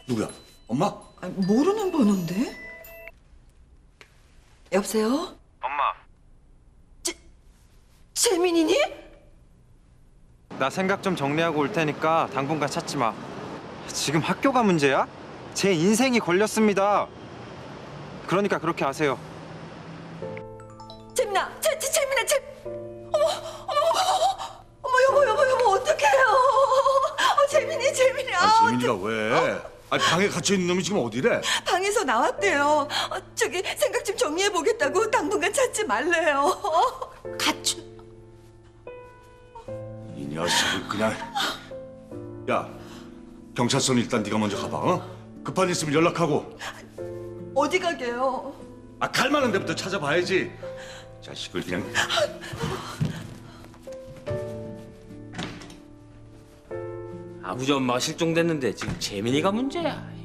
누구야? 엄마? 아니, 모르는 번호인데? 여보세요? 엄마, 재민이니? 나 생각 좀 정리하고 올 테니까 당분간 찾지 마. 지금 학교가 문제야? 제 인생이 걸렸습니다. 그러니까 그렇게 하세요. 재민아, 재민아, 여보, 어떡해요? 재민이. 재민이가 왜? 방에 갇혀 있는 놈이 지금 어디래? 방에서 나왔대요. 저기 생각 좀 정리해 보겠다고 당분간 찾지 말래요. 가출. 이 녀석을 그냥. 야, 경찰서는 일단 네가 먼저 가봐. 어? 급한 일 있으면 연락하고. 어디 가게요? 갈 만한 데부터 찾아봐야지. 자식을 그냥. 아버지 엄마가 실종됐는데 지금 재민이가 문제야.